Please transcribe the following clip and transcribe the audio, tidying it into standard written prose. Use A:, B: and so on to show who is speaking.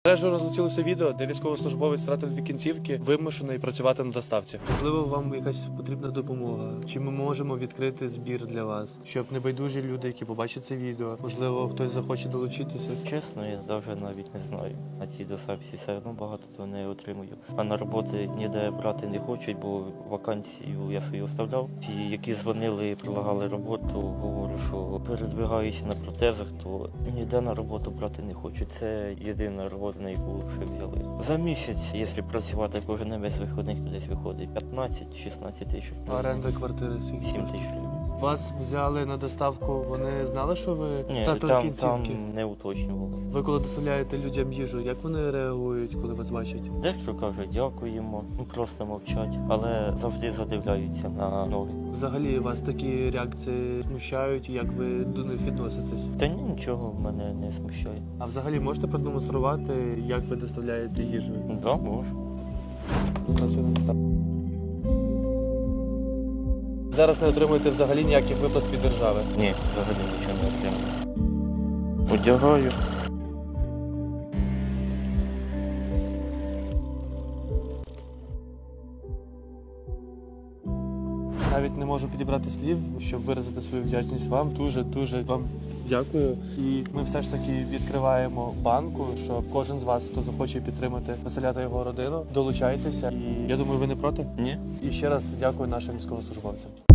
A: Мережею розлетілося відео, де військовослужбовець втратив дві кінцівки, вимушений працювати на доставці. Можливо, вам якась потрібна допомога? Чи ми можемо відкрити збір для вас? Щоб небайдужі люди, які побачать це відео, можливо, хтось захоче долучитися?
B: Чесно, я навіть не знаю. На цій доставці все одно багато то не отримую. А на роботи ніде брати не хочуть, бо вакансію я свою оставляв. Ті, які дзвонили і предлагали роботу, говорю, що передвигаюся на протезах, то ніде на роботу брати не хочуть. Це єдина робота, на яку ще взяли. За місяць, якщо працювати кожен без виходних, то десь виходить 15-16 тисяч.
A: А оренда квартири
B: 7 тисяч гривень.
A: Вас взяли на доставку, вони знали, що ви
B: Ні,
A: втратили
B: там
A: кінцівки?
B: не уточнювали.
A: Ви коли доставляєте людям їжу, як вони реагують, коли вас бачать?
B: Дехто каже дякуємо, просто мовчать, але завжди задивляються на ноги.
A: Взагалі вас такі реакції смущають, як ви до них відноситесь?
B: Та ні, нічого мене не смущає.
A: А взагалі можете продемонструвати, як ви доставляєте їжу?
B: Да, можу.
A: Зараз не отримуєте взагалі ніяких виплат від держави?
B: Ні, взагалі нічого не отримав. Одягаю.
A: Навіть не можу підібрати слів, щоб виразити свою вдячність вам. Дуже вам дякую. І ми все ж таки відкриваємо банку, щоб кожен з вас, хто захоче підтримати Василя та його родину, долучайтеся. І я думаю, ви не проти?
B: Ні.
A: І ще раз дякую нашим військовослужбовцям.